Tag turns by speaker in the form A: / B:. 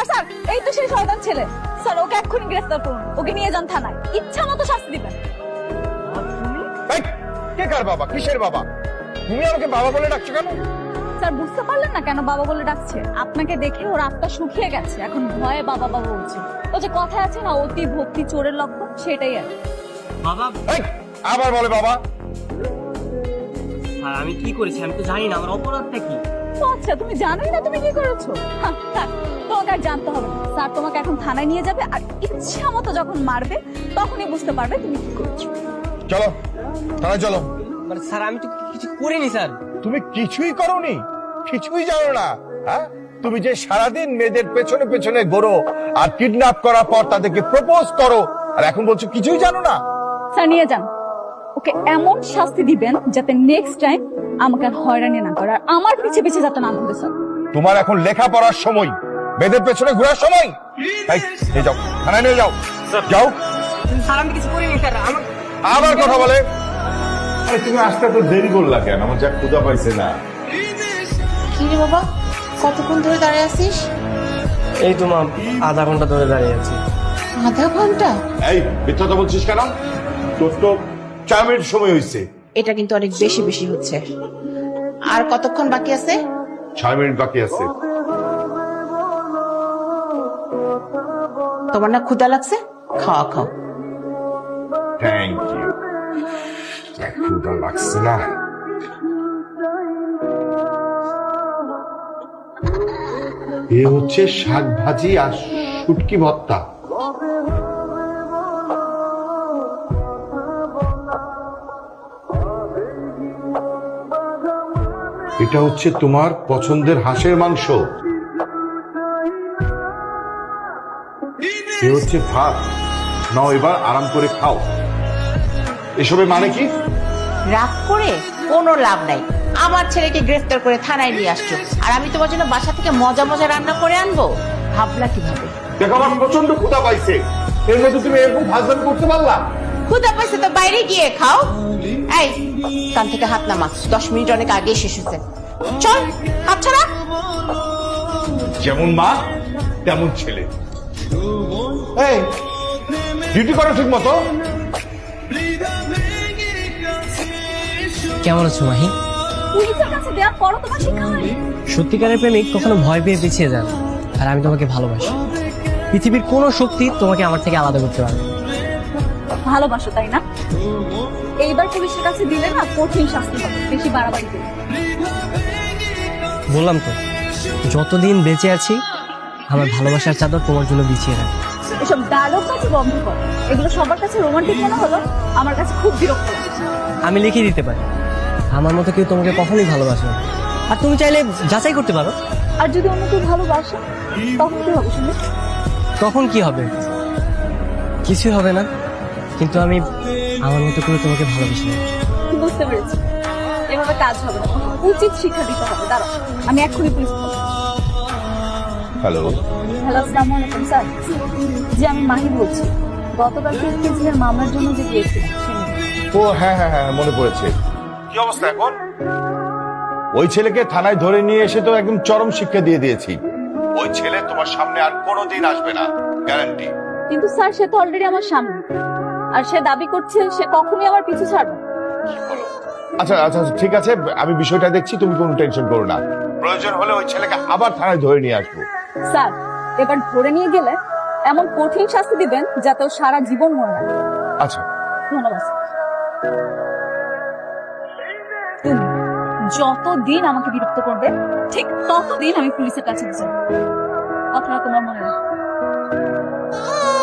A: Sir এই তো সেই শয়তান ছেলে। স্যার ওকে এক্ষুনি গ্রেফতার করুন, ওকে নিয়ে যান থানায়, ইচ্ছা মতো শাস্তি দিবেন।
B: এই, কে কার বাবা, কিসের বাবা? তুমি আমাকে বাবা বলে ডাকছো কেন?
A: স্যার বুঝতে পারলেন না কেন বাবা বলে ডাকছে? আপনাকে দেখে ওর আত্মা শুকিয়ে গেছে, এখন ভয়ে বাবা বাবা বলছে। ও যে কথায় আছে না, অতি ভক্তি চোরের লক্ষণ, সেটাই আর কি।
C: বাবা
B: এই, আবার বলে বাবা।
C: স্যার আমি কি করেছি আমি তো জানি না, আমার অপরাধটা কি?
A: ও আচ্ছা, তুমি জানোই না তুমি কি করেছো? থাক, তোমাকে আর জানতে হবে না। স্যার তোমাকে এখন থানায় নিয়ে যাবে, আর ইচ্ছা মতো যখন মারবে তখনই বুঝতে পারবে তুমি কি করেছো।
B: চলো থানায় চলো।
C: মানে স্যার আমি তো কিছু করিনি স্যার।
B: তুমি কিছুই করোনি, কিছুই জানো না? হ্যাঁ, তুমি যে সারাদিন মেয়েদের পেছনে পেছনে ঘোরো আর কিডন্যাপ করার পর তাদেরকে প্রপোজ করো, আর এখন বলছো কিছুই জানো না?
A: স্যার নিয়ে যান, ওকে এমন শাস্তি দিবেন যাতে নেক্সট টাইম আমাকে আর হয়রানি না করে, আর আমার পিছে পিছে যাতে না ঘুরে। স্যার
B: তোমার এখন লেখাপড়ার সময়, মেয়েদের পেছনে ঘোরার সময়। এই, নিয়ে যাও থানায়, নিয়ে যাও। যাও।
C: স্যার আমি কিছু করিনি স্যার। আমার
B: আবার কথা বলে।
D: আরে তুমি আসতে তো দেরি করলা কেন? আমার যা ক্ষুধা পাইছে না।
E: কি রে বাবা, কতক্ষণ ধরে দাঁড়িয়ে আছিস?
C: এই তো মা, আধা ঘন্টা ধরে দাঁড়িয়ে আছি।
E: আধা ঘন্টা?
D: এই মিথ্যাটা বলছিস কেন? তোর তো 4 মিনিট সময় হয়েছে।
E: এটা কিন্তু অনেক বেশি বেশি হচ্ছে। আর কতক্ষণ বাকি আছে?
D: 6 মিনিট বাকি আছে।
E: তোমার না ক্ষুধা লাগছে? খাওয়া খাও।
D: Thank you. ক্ষুধা লাগছে না। এ হচ্ছে শাক ভাজি আর শুটকি ভর্তা। এটা হচ্ছে তোমার পছন্দের হাঁসের মাংস। এ হচ্ছে ভাত। নাও এবার আরাম করে খাও। এসবের মানে কি?
E: রাগ করে কোনো লাভ নাই। আমার ছেলেকে গ্রেফতার করে থানায় নিয়ে আসছো, আর আমি তোমার জন্য বাসা থেকে মজা মজা রান্না করে আনবো? ভাবলা কিভাবে?
D: দেখো আমার প্রচন্ড ক্ষুধা পাইছে, এর মধ্যে তুমি এরকম ভাজদামি করতে পারলা?
E: ক্ষুধা পাইছে তো বাইরে গিয়ে খাও। এই কান থেকে হাত নামা, 10 মিনিট অনেক আগে শেষ হয়েছে। চল হাত ছাড়া।
D: যেমন মা তেমন ছেলে। এই ডিউটি করো ঠিক মতো।
C: কেমন আছো মাহি?
A: পুলিশের কাছে দেওয়ার পরও তোমার শিক্ষা হয়নি?
C: সত্যিকারের প্রেমিক কখনো ভয় পেয়ে পিছিয়ে যান, আর আমি তোমাকে ভালোবাসি। পৃথিবীর কোনো শক্তি তোমাকে আমার থেকে আলাদা করতে পারবে না।
A: ভালোবাসো তাই না? এইবার পুলিশের কাছে দিলে না কঠিন শাস্তি হবে, বেশি বাড়াবাড়ি করবে।
C: বললাম তো, যতদিন বেঁচে আছি আমার ভালোবাসার চাদর তোমার জন্য বিছিয়ে রাখ।
A: এসব ডায়লগ কাছে বন্ধ করো, এগুলো সবার কাছে রোমান্টিক মনে হলো, আমার কাছে খুব বিরক্ত লাগছে।
C: আমি লিখে দিতে পারি, আমার মতো কেউ তোমাকে কখনোই ভালোবাসে না। আর তুমি চাইলে যাচাই করতে পারো।
A: আর যদি অন্য কেউ ভালোবাসে তখন কি হবে শুনি?
C: তখন কি হবে? কিছুই হবে না, কিন্তু আমি আমার মতো করে তোমাকে ভালোবাসি না।
A: বুঝতে পেরেছি, এভাবে কাজ হবে না, উচিত শিক্ষা দিতে হবে। দাঁড়াও, আমি এক্ষুনি পুলিশ।
B: হ্যালো।
A: হ্যালো, আসসালামু আলাইকুম স্যার। জি আমি মাহি বলছি, গতকাল কিসের মামলার জন্য যে গিয়েছিলাম সে নিয়ে।
B: ও হ্যাঁ হ্যাঁ হ্যাঁ, মনে পড়েছে। কি অবস্থা এখন? ওই ছেলেকে থানায় ধরে নিয়ে এসে তো একদম চরম শিক্ষা দিয়ে দিয়েছি। ওই ছেলে তোমার সামনে আর কোনোদিন আসবে না, গ্যারান্টি।
A: কিন্তু স্যার সে তো অলরেডি আমার সামনে, আর সে দাবি করছে সে কখনোই আমার পিছু ছাড়বে না।
B: আচ্ছা আচ্ছা ঠিক আছে, আমি বিষয়টা দেখছি, তুমি কোনো টেনশন করো না। প্রয়োজন হলে ওই ছেলেকে আবার থানায় ধরে নিয়ে আসবো।
A: স্যার এবার ধরে নিয়ে গেলে এমন কঠিন শাস্তি দিবেন যাতে ও সারা জীবন মনে রাখে।
B: আচ্ছা
A: ধন্যবাদ স্যার। তুমি যতদিন আমাকে বিরক্ত করবে ঠিক ততদিন আমি পুলিশের কাছে যাব। কথাটা তোমার মনে রাখো।